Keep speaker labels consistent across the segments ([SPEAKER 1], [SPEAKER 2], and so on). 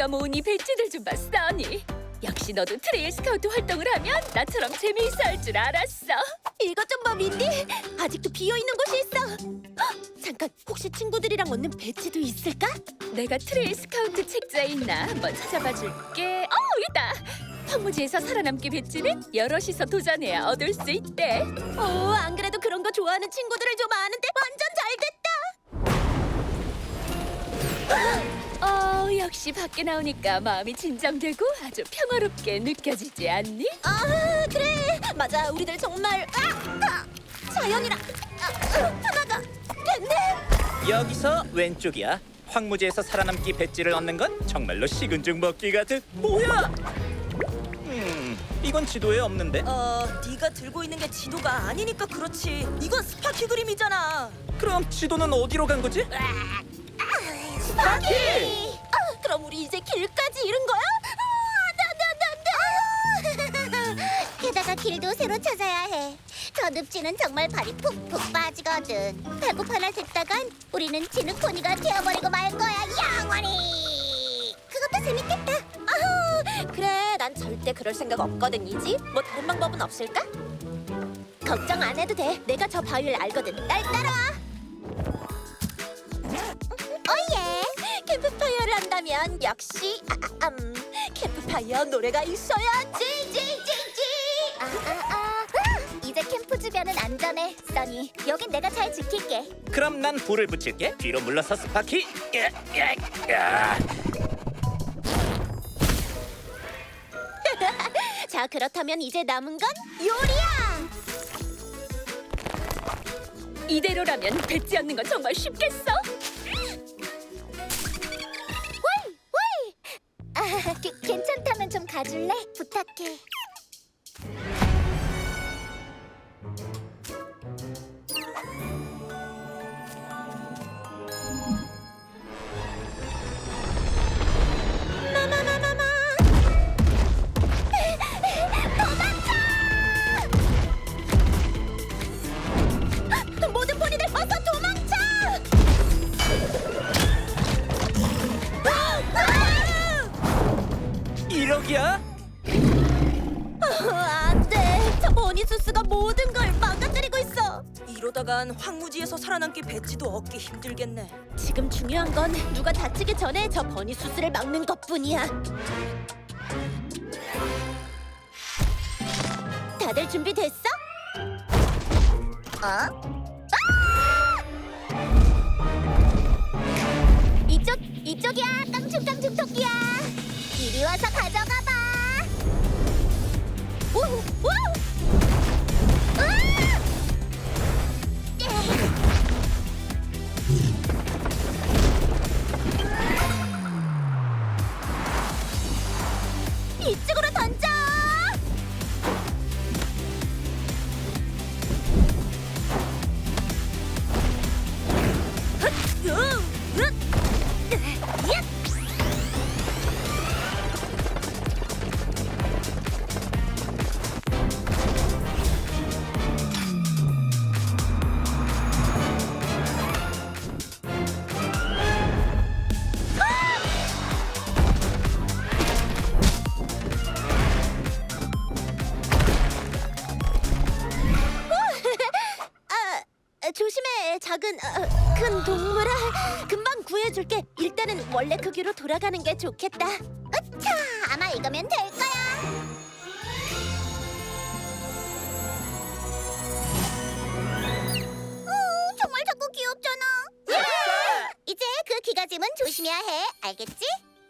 [SPEAKER 1] 우리가 모은 이 배지들 좀 봐, 써니. 역시 너도 트레일 스카우트 활동을 하면 나처럼 재미있어 할 줄 알았어.
[SPEAKER 2] 이것 좀 봐, 민디. 아직도 비어있는 곳이 있어. 헉, 잠깐, 혹시 친구들이랑 얻는 배지도 있을까?
[SPEAKER 1] 내가 트레일 스카우트 책자에 있나 한번 찾아봐 줄게. 있다. 황무지에서 살아남기 배지는 여럿이서 도전해야 얻을 수 있대.
[SPEAKER 2] 안 그래도 그런 거 좋아하는 친구들을 좀 아는데 완전 잘됐다.
[SPEAKER 1] 역시 밖에 나오니까 마음이 진정되고 아주 평화롭게 느껴지지 않니?
[SPEAKER 2] 그래. 맞아, 우리들 정말 자연이랑 하나가 됐네.
[SPEAKER 3] 여기서 왼쪽이야. 황무지에서 살아남기 배지를 얻는 건 정말로 식은 죽 먹기 같은. 뭐야? 이건 지도에 없는데.
[SPEAKER 4] 네가 들고 있는 게 지도가 아니니까 그렇지. 이건 스파키 그림이잖아.
[SPEAKER 3] 그럼 지도는 어디로 간 거지?
[SPEAKER 2] 스파키! 그럼 우리 이제 길까지 잃은 거야? 안돼.
[SPEAKER 5] 게다가 길도 새로 찾아야 해. 저 늪지는 정말 발이 푹푹 빠지거든. 배고파나 듣다간 우리는 지느코니가 되어버리고 말 거야, 영원히. 그것도 재밌겠다.
[SPEAKER 2] 그래, 난 절대 그럴 생각 없거든, 이지. 뭐 다른 방법은 없을까? 걱정 안 해도 돼. 내가 저 바위를 알거든. 날 따라와.
[SPEAKER 5] 오예.
[SPEAKER 2] 캠프파이어를 한다면 역시 캠프파이어 노래가 있어야지.
[SPEAKER 5] 이제 캠프 주변은 안전해, 써니. 여긴 내가 잘 지킬게.
[SPEAKER 3] 그럼 난 불을 붙일게. 뒤로 물러서 스파키. 야.
[SPEAKER 2] 자, 그렇다면 이제 남은 건 요리야.
[SPEAKER 1] 이대로라면 배지 얻는 건 정말 쉽겠어?
[SPEAKER 5] 괜찮다면 좀 가줄래? 부탁해.
[SPEAKER 2] 모든 포니들 어서 도망쳐!
[SPEAKER 3] 이러기야?
[SPEAKER 2] 안 돼. 저 버니수스가 모든 걸 망가뜨리고 있어.
[SPEAKER 4] 이러다간 황무지에서 살아남기 배지도 얻기 힘들겠네.
[SPEAKER 2] 지금 중요한 건 누가 다치기 전에 저 버니수스를 막는 것뿐이야. 다들 준비됐어?
[SPEAKER 5] 이쪽이야, 깡충깡충 토끼야. 이리 와서 가져가 봐.
[SPEAKER 2] 이쪽으로 던져! 조심해, 작은 큰 동물아. 금방 구해줄게. 일단은 원래 크기로 돌아가는 게 좋겠다.
[SPEAKER 5] 으차, 아마 이거면 될 거야. 정말 자꾸 귀엽잖아. 이제 그 기가짐은 조심해야 해. 알겠지?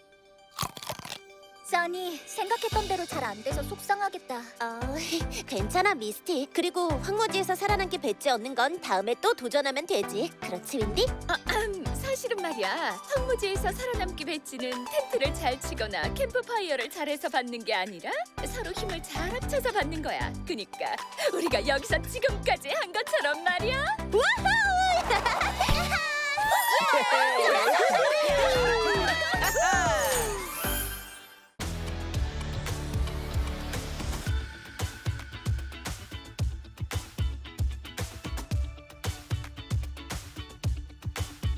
[SPEAKER 5] 써니, 생각했던 대로 잘 안 돼서 속상하겠다.
[SPEAKER 2] 괜찮아, 미스티. 그리고 황무지에서 살아남기 배지 얻는 건 다음에 또 도전하면 되지. 그렇지, 윈디?
[SPEAKER 1] 사실은 말이야. 황무지에서 살아남기 배지는 텐트를 잘 치거나 캠프파이어를 잘해서 받는 게 아니라 서로 힘을 잘 합쳐서 받는 거야. 그니까 우리가 여기서 지금까지 한 것처럼 말이야.
[SPEAKER 2] 우와우!